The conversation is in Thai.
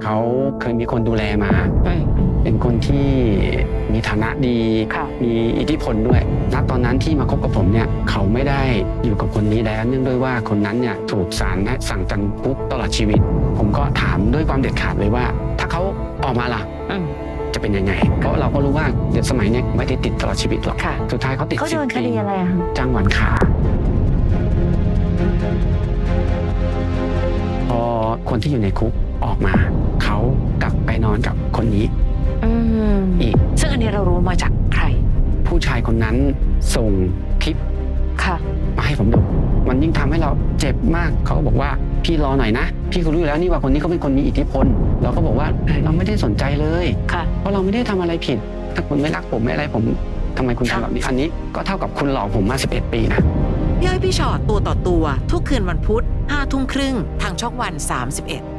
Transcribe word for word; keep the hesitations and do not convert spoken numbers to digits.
เขาเคยมีคนดูแลมาอืมเป็นคนที่มีฐานะดีค่ะมีอิทธิพลด้วยณตอนนั้นที่มาคบกับผมเนี่ยเขาไม่ได้อยู่กับคนนี้แล้วเนื่องด้วยว่าคนนั้นเนี่ยถูกศาลสั่งจำคุกตลอดชีวิต ผมก็ถามด้วยความเด็ดขาดเลยว่า ถ้าเขาออกมาล่ะอืมจะเป็นยังไง เพราะเราก็รู้ว่าเด็กสมัยเนี้ยไม่ได้ติดตลอดชีวิตหรอกค่ะสุดท้ายเขาติดเขาสิโดบนคปีดีอะไรอะคะจ้างหวานขาพอคนที่อยู่ในคุกออกมา เขากลับไปนอนกับคนนี้อืมอีกซึ่งอันนี้เรารู้มาจากใครผู้ชายคนนั้นส่งคลิปค่ะมาให้ผมดู มันยิ่งทำให้เราเจ็บมาก เขาก็บอกว่าพี่รอหน่อยนะ พี่ก็รู้อยู่แล้วนี่ว่าคนนี้เขาเป็นคนมีอิทธิพล เราก็บอกว่าเราไม่ได้สนใจเลยค่ะเพราะเราไม่ได้ทำอะไรผิด ถ้าคุณไม่รักผมไม่อะไรผมทำไมคุณทำแบบนี้ อันนี้ก็เท่ากับคุณหลอกผมมาสิบเอ็ดปีนะพี่อ้อยพี่ชอตตัวต่อตัวทุกคืนวันพุธห้าทุ่มครึ่งทางช่องวันสามสิบเอ็ด